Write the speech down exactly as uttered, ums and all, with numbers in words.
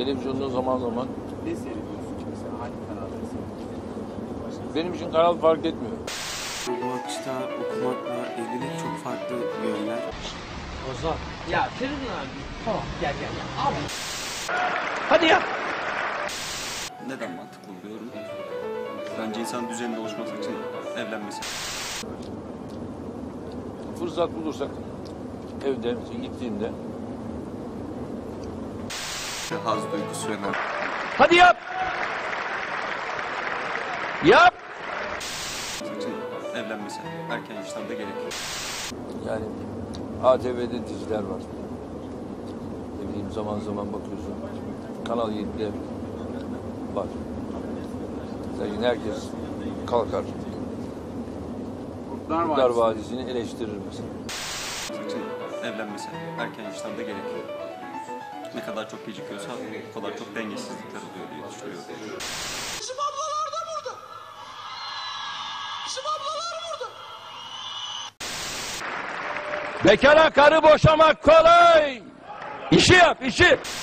Televizyonda zaman zaman. Ne seyrediyorsun mesela? Hangi kanalları seyrediyorsun? Benim için kanal fark etmiyor. Bu akışta okumakla ilgili çok farklı yönler. Ozan. Ya Feridun abi. Tamam gel gel gel. Abi. Hadi ya. Neden mantıklı buluyorum? Bence insan düzeninde oluşması için evlenmesi. Fırsat bulursak evde gittiğimde. Haz duygusu önemli. Hadi yap. Yap. için evlenmesi erken yaşlarda gerekiyor. Yani A T V'de diziler var. Ne bileyim zaman zaman bakıyorsun. Kanal yedide var. Zaten herkes kalkar. Kurtlar Kurtlar Vadisi. Vadisi'ni eleştirir mesela. için evlenmesi erken yaşlarda gerekiyor. Ne kadar çok gecikiyorsa o kadar çok dengesizlikler oluyor diye düşünüyorum. Bizim ablalar da burada. Bizim ablalar burada. Bekara karı boşamak kolay. İşi yap işi.